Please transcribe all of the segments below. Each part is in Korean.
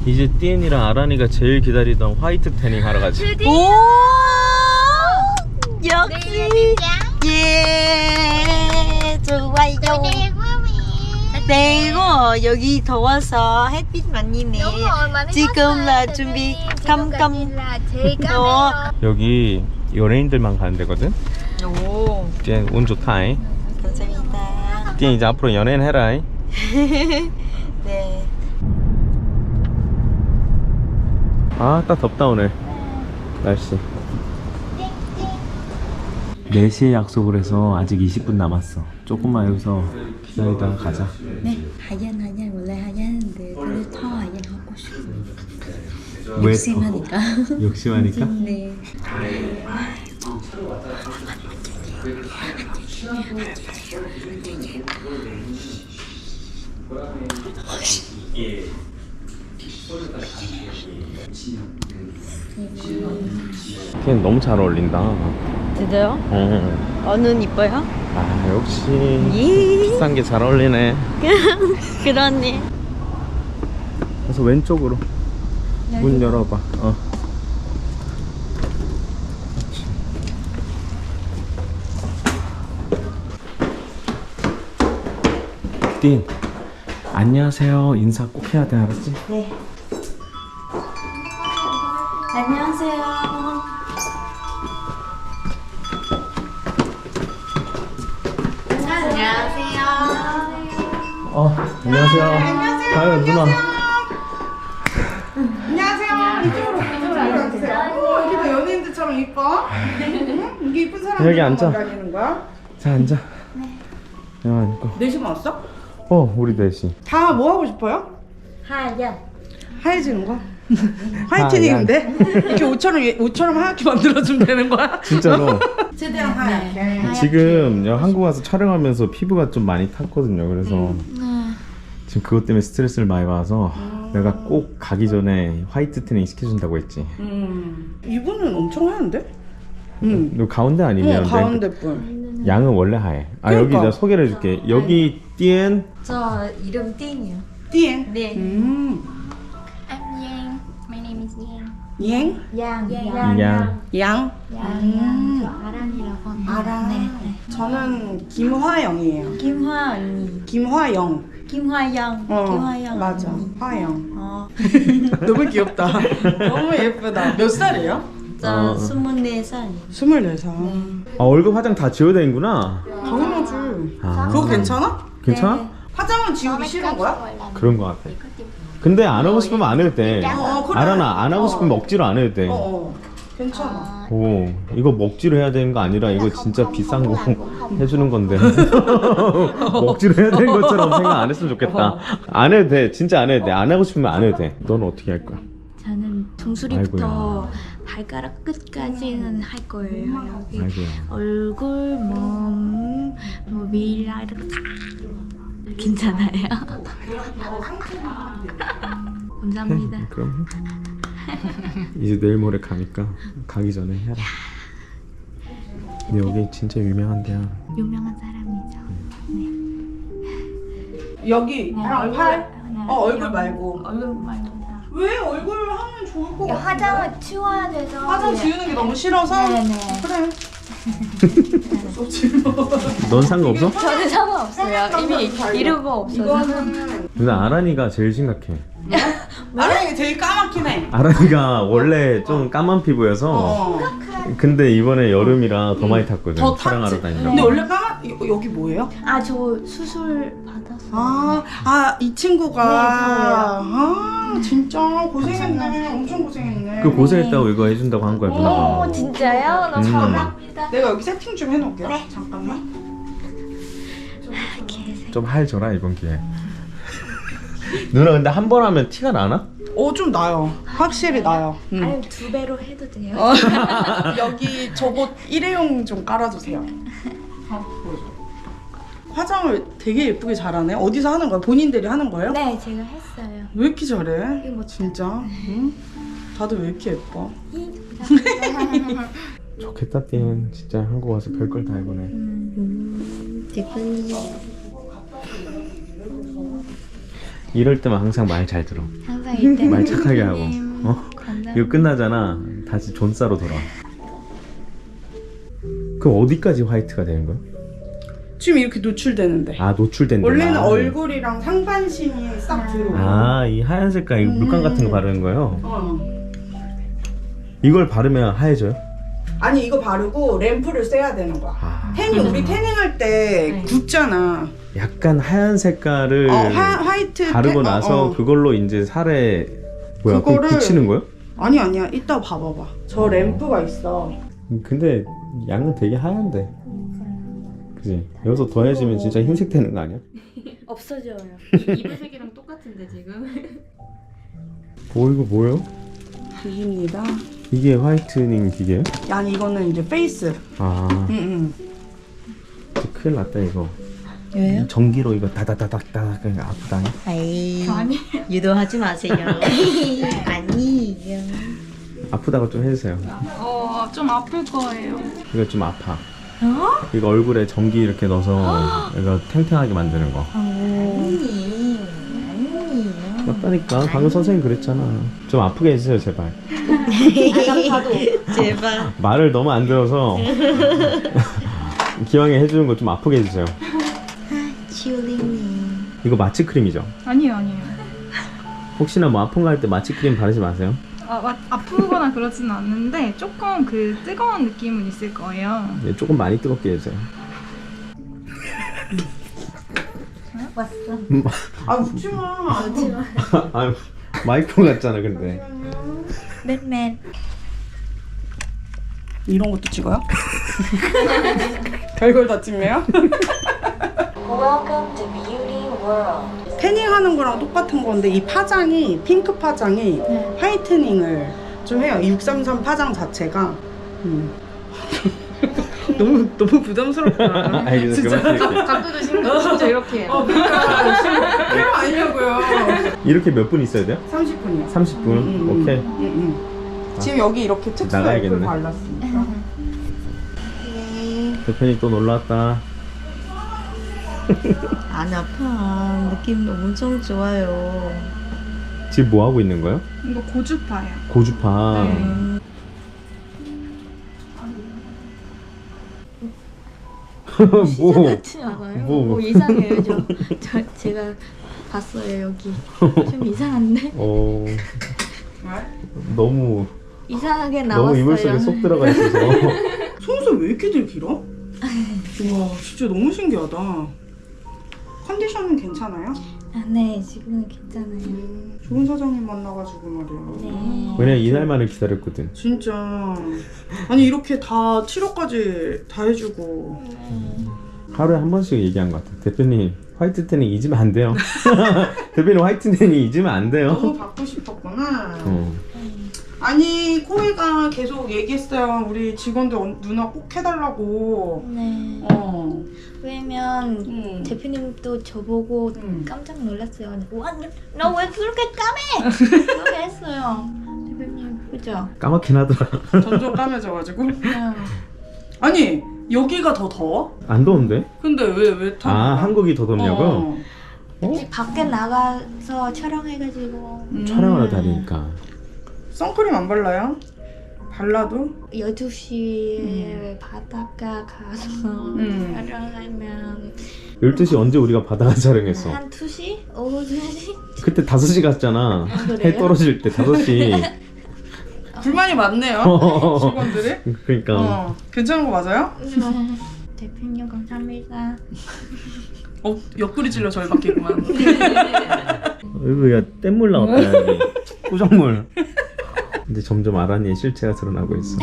이제 띠엔이랑 아란이가 제일 기다리던 화이트 태닝 하러 가지. 오! 역시! 예! 좋아요. 그리고 여기 더워서 햇빛 많이네. 지금 là 준비 깜깜. 여기 연예인들만 가는 데거든? 오. 띠엔 운 좋다잉. 감사합니다. 띠엔 이제 앞으로 연예인 해라잉. 네. 아, 딱 덥다 오늘 날씨. 4시에 약속을 해서 아직 20분 남았어. 조금만 여기서 기다리다가 가자. 네. 하얀 원래 하얀데 근데 더 하얀 하고 싶어. 왜 욕심하니까. 욕심하니까? 네. 걔는 너무 잘 어울린다. 진짜요? 응. 어는 이뻐요? 아, 역시 예. 비싼 게 잘 어울리네. 그러네. 그래서 왼쪽으로 문 열어봐. 딘, 안녕하세요 인사 꼭 해야 돼, 알았지? 네. 안녕하세요. 안녕하세요. 안녕하세요. 아유, 누나. 안녕하세요. 이쪽으로 앉으세요. 오, 여기도 연예인들처럼 이뻐. 응? 이게 이쁜 사람들 여기 앉아. 다니는 거야? 자, 앉아. 네. 야, 앉고. 넷이만 왔어? 우리 넷이. 다 뭐 하고 싶어요? 하얀. 하얘지는 거? 화이트닝인데? 이렇게 옷처럼 하얗게 만들어주면 되는 거야? 진짜로. 최대한 하얗게. 지금 한국 와서 촬영하면서 피부가 좀 많이 탔거든요. 그래서 지금 그것 때문에 스트레스를 많이 받아서 내가 꼭 가기 전에 화이트 태닝 시켜준다고 했지. 이분은 엄청 하얀데? 너 가운데 아니면 가운데 분. 양은 원래 하얘. 그러니까. 여기 내가 소개를 해줄게. 여기 띠엔. 저 이름 띵이요. 띠엔? 네. I'm Yang. My name is Yang. 이행? 양. 양. 양? 아란이라고 합니다. 아라. 네. 저는 김화영이에요. 김화 언니. 김화영. 김화영. 김화영. 맞아. 언니. 화영. 너무 귀엽다. 너무 예쁘다. 몇 살이에요? 저 24살. 24살. 얼굴 화장 다 지워야 되는구나. 당연하지. 아. 그거 괜찮아? 괜찮아? 네. 화장은 지우기 싫은 거야? 그런 거 같아. 근데 안 하고 싶으면 안 해도 돼. 그래. 알아나 안 하고 싶으면 억지로 안 해도 돼. 괜찮아. 오, 이거 먹지로 해야 되는 거 아니라 이거 진짜 비싼 거 해주는 건데 먹지로 해야 되는 것처럼 생각 안 했으면 좋겠다. 안 해도 돼. 진짜 안 해도 돼. 안 하고 싶으면 안 해도 돼. 너는 어떻게 할 거야? 저는 종소리부터 발가락 끝까지는 할 거예요. 여기 아이고야. 얼굴, 몸, 뭐 미라 이렇게 다 괜찮아요. 감사합니다. 그럼 이제 내일 모레 가니까 가기 전에 해라. 근데 여기 진짜 유명한 데야. 유명한 사람이죠. 여기 팔? 네. 얼굴 말고. 얼굴 말고. 왜 얼굴 하면 좋을 것 같아? 화장을 치워야 돼서. 화장 지우는 게 너무 싫어서? 네네. 그래. 넌 상관없어? 저는 상관없어요. 이미 이루고 없어서. 이거는 근데 아란이가 제일 심각해. 아랑이 제일 까맣긴 해. 아란이가 원래 좀 까만 피부여서 근데 이번에 여름이라 더 많이 탔거든. 더 촬영하러 탔지. 다닌다고. 근데 원래 여기 뭐예요? 아, 저 수술 받았어요. 이 친구가. 네, 진짜 고생했네. 엄청 고생했네. 그 고생했다고 이거 해준다고 한 거야 누나가. 오, 진짜요? 너무 감사합니다. 내가 여기 세팅 좀 해놓을게요. 네. 잠깐만. 좀 할줘라 이번 기회에. 누나 근데 한 번 하면 티가 나나? 좀 나요. 확실히 나요. 아니, 2배로 해도 돼요. 여기 저거 일회용 좀 깔아주세요. 화장을 되게 예쁘게 잘하네. 어디서 하는 거야? 본인들이 하는 거예요? 네, 제가 했어요. 왜 이렇게 잘해? 이거 뭐 진짜? 응? 다들 왜 이렇게 예뻐? 좋겠다 띵. 진짜 한국 와서 별걸 다 해보네. 대표님. 이럴 때만 항상 말 잘 들어. 항상 말 착하게 하고. 이거 끝나잖아. 다시 존싸로 돌아. 그럼 어디까지 화이트가 되는 거야? 지금 이렇게 노출되는데. 아, 노출된 데. 원래는 얼굴이랑 상반신이 싹 들어오고. 아, 이 하얀 색깔 이 물감 같은 거 바르는 거예요? 어. 이걸 바르면 하얘져요? 아니 이거 바르고 램프를 쐬야 되는 거야. 아. 태닝 우리 태닝할 때 굳잖아. 약간 하얀 색깔을 화이트 바르고 나서 그걸로 이제 살에 뭐야 그거 그거를- 붙이는 거예요? 아니야 이따 봐봐봐. 저 램프가 있어. 근데 양은 되게 하얀데. 그지? 여기서 더해지면 진짜 흰색 되는 거 아니야? 없어져요. 이불색이랑 똑같은데 지금. 이거 뭐예요? 기기입니다. 이게 화이트닝 기계예요? 아니 이거는 이제 페이스. 아, 응. 진짜 큰일 났다 이거. 왜요? 전기로 이거 다다다닥다닥 그러니까 아프다. 아이, 유도하지 마세요. 아니에요. 아프다고 좀 해주세요. 좀 아플 거예요. 이거 좀 아파. 이거 얼굴에 전기 이렇게 넣어서 이거 탱탱하게 만드는 거. 아니에요. 맞다니까. 방금 선생님 그랬잖아. 좀 아프게 해주세요 제발. 제발. 말을 너무 안 들어서 기왕에 해주는 거 좀 아프게 해주세요. 치울링님. 이거 마취 크림이죠? 아니에요. 혹시나 뭐 아픈 거 할 때 마취 크림 바르지 마세요. 아프거나 그러지는 않는데 조금 그 뜨거운 느낌은 있을 거예요. 네, 조금 많이 뜨겁게 해주세요. 왔어. 아 웃지 마. 아, 마이크 같잖아 근데. 맨맨. 이런 것도 찍어요? 별걸 다 찍네요. Welcome to Beauty World. 태닝하는 거랑 똑같은 건데 이 파장이 핑크 파장이 화이트닝을 좀 해요. 633 파장 자체가. 너무 부담스럽다. 알겠어. 진짜. 그만 각도도 진짜 이렇게 해요. 그러니까 필요 아니냐고요. 이렇게 몇 분 있어야 돼요? 30분이요. 30분? 오케이. 지금 여기 이렇게 특수 나가야겠네. 앱을 발랐으니까. 대표님 또 놀러 왔다. 안 아파. 느낌 엄청 좋아요. 지금 뭐 하고 있는 거예요? 이거 고주파예요. 고주파. 네. 뭐? 같지 않아요? 뭐? 이상해요. 제가 봤어요 여기. 좀 이상한데? 너무 이상하게 너무 나왔어요. 이불 속에 쏙 들어가 있어서. 속눈썹 왜 이렇게들 길어? 와 진짜 너무 신기하다. 컨디션은 괜찮아요? 아, 네, 지금은 괜찮아요. 좋은 사장님 만나가지고 말이야. 네. 왜냐면 이날만을 기다렸거든. 진짜 아니 이렇게 다 치료까지 다 해주고. 하루에 한 번씩 얘기한 것 같아. 대표님 화이트 태닝 잊으면 안 돼요. 대표님 화이트 태닝 잊으면 안 돼요. 너무 받고 싶었구나. 어. 아니 코이가 계속 얘기했어요. 우리 직원들 누나 꼭 해달라고. 네. 왜냐면 대표님도 저보고 깜짝 놀랐어요. 와, 너 왜 그렇게 까매? 그렇게 했어요. 대표님, 그죠? 까맣긴 하더라. 점점 까매져가지고. 아니 여기가 더 더워? 안 더운데? 근데 왜 더? 아, 한국이 더 덥냐고? 밖에 나가서 촬영해가지고 촬영을 하다 보니까. 선크림 안 발라요? 발라도? 12시에 바닷가 가서 촬영하면 12시 언제 우리가 바다가 촬영했어? 한 2시? 오후 2시? 그때 5시 갔잖아. 그래요? 해 떨어질 때 5시. 불만이 많네요. 직원들이. 그러니까. 괜찮은 거 맞아요? 대표님 감사합니다. 옆구리 찔러 절박했구만. 야 뗏물 나왔다 여기. 꾸정물. 근데 점점 아란이의 실체가 드러나고 있어.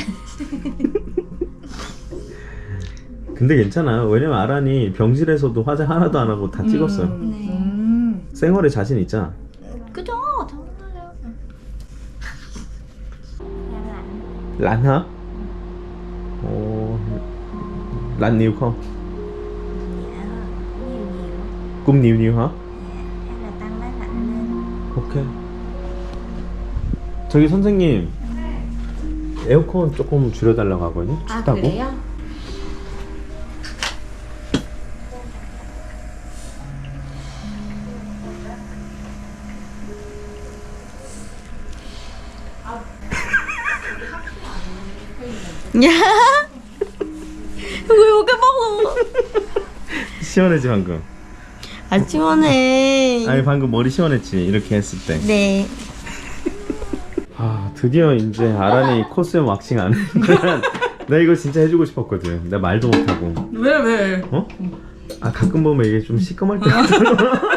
근데 괜찮아. 왜냐면 아란이 병실에서도 화장 하나도 안 하고 다 찍었어요. 네. 생얼에 자신 있잖아. 그죠? 당연하죠. 란하? Lan nhiều không? Cũng nhiều nhiều hả? Hay là tăng máy lạnh lên. 오케이. 저기 선생님 에어컨 조금 줄여달라고 하거든요. 춥다고. 그래요? 야. 왜 이렇게 먹어? 시원해지 방금. 아 시원해. 아니 방금 머리 시원했지 이렇게 했을 때. 네. 아 드디어 이제 아란이 코스염 왁싱 안 해. 나 이거 진짜 해주고 싶었거든. 나 말도 못하고. 왜? 어? 아 가끔 보면 이게 좀 시꺼멀 때 있잖아.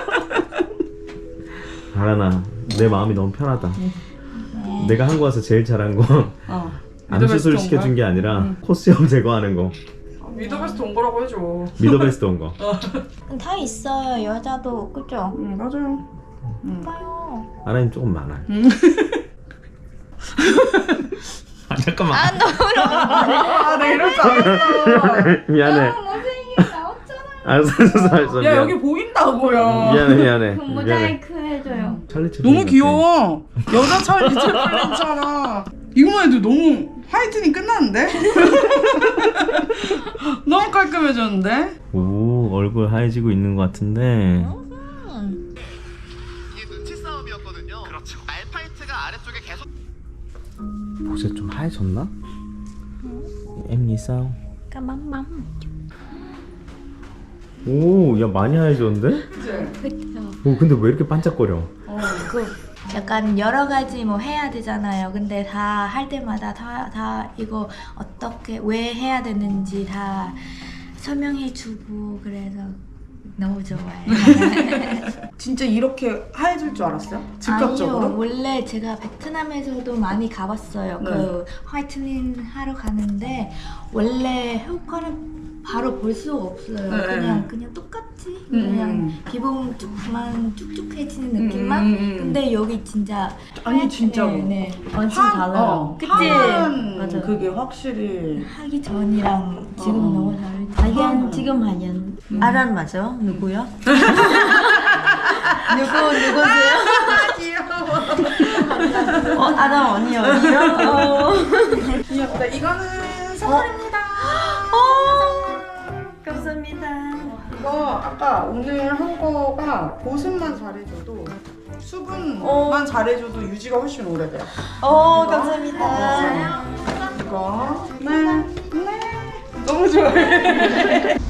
아란아 내 마음이 너무 편하다. 내가 한국 와서 제일 잘한 거 암 수술 시켜준 게 아니라 코스염 제거하는 거. 미더베스트 온 거라고 해줘. 미더베스트 온 거. 다 있어요. 여자도 그죠? 맞아요. 봐요. 아란이 조금 많아. 아 잠깐만. 아 너무 아, 나 이럴 줄 알았어. 미안해. 모자이크 나왔잖아요. 알았어. 야, 여기 보인다고요. 미안해. 그 모자이크 해줘요. 찰리 채플린 너무 같아. 귀여워. 여자 찰리 채플린처럼. 이거만 해도 너무 화이트닝 끝났는데? 너무 깔끔해졌는데? 오 얼굴 하얘지고 있는 것 같은데. 이게 눈치 싸움이었거든요. 그렇죠. 알파이트가 아래쪽에 계속 보세 좀 하얘졌나? 엠니 싸움. 까맘맘. 오, 야 많이 하얘졌는데? 그쵸. 오, 근데 왜 이렇게 반짝거려? 그 약간 여러 가지 뭐 해야 되잖아요. 근데 다 할 때마다 다 이거 어떻게 왜 해야 되는지 다 설명해주고 그래서 너무 좋아요. 진짜 이렇게 하얘질 줄 알았어요? 즉각적으로? 아니요, 원래 제가 베트남에서도 많이 가봤어요. 네. 그 화이트닝 하러 가는데 원래 효과는 바로 볼 수가 없어요. 네. 그냥 똑같이 그냥 기본만 쭉쭉해지는 느낌만. 근데 여기 진짜 아니, 진짜로. 네, 완전 달라요. 그치? 하얀 맞아. 그게 확실히 하기 전이랑 지금 너무 다르지. 하얀 지금 하얀 아란 맞아? 누구야? 누구세요? 귀여워. 아란 언니 어디요? 귀엽다. 이거는 선물입니다. 감사합니다. 이거 아까 오늘 한 거가 보습만 잘해줘도 수분만 잘해줘도 유지가 훨씬 오래돼요. 감사합니다. 이거 네 너무 좋아해.